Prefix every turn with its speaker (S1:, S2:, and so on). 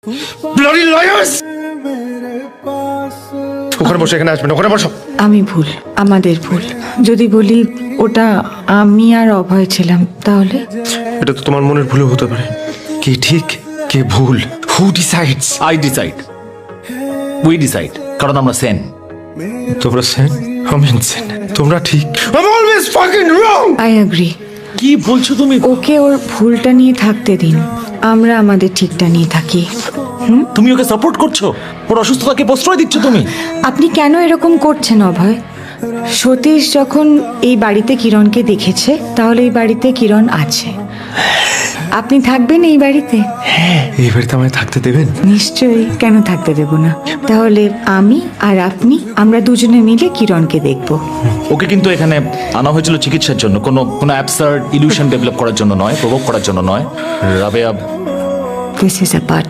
S1: Bloody liars! ওখানে বসে, এখানে আসবেন, ওখানে বসো।
S2: আমি ভুল, আমাদের ভুল। যদি বলি ওটা আমি আর অভয় ছিলাম, তাহলে
S1: এটা তো তোমার মনের ভুলও হতে পারে। কে ঠিক কে ভুল, who decides?
S3: I decide, we decide, কারণ আমরা সেন।
S1: তোমরা সেন, আমি ইনসেন। তোমরা ঠিক, I'm always fucking wrong!
S2: I agree.
S3: কি বলছো তুমি?
S2: ওকে ওর ভুলটা নিয়ে থাকতে দিন, আমরা আমাদের ঠিকটা নিয়ে থাকি।
S3: তুমি ওকে সাপোর্ট করছো, ওর অসুস্থতাকে প্রশ্রয় দিচ্ছ তুমি।
S2: আপনি কেন এরকম করছেন অভয়? সতীশ যখন এই বাড়িতে কিরণকে দেখেছে, তাহলে এই বাড়িতে কিরণ আছে। আপনি থাকবেন এই বাড়িতে?
S1: এই বাড়িতে আমায় থাকতে দেবেন?
S2: নিশ্চয়ই, কেন থাকতে দেব না? তাহলে আমি আর আপনি, আমরা দুজনে মিলে কিরণকে দেখব।
S3: ওকে কিন্তু এখানে আনা হয়েছিল চিকিৎসার জন্য, কোনো অ্যাবসার্ড ইলিউশন ডেভেলপ করার জন্য নয়, প্রভোগ করার জন্য নয়। Rabeya,
S2: this is a part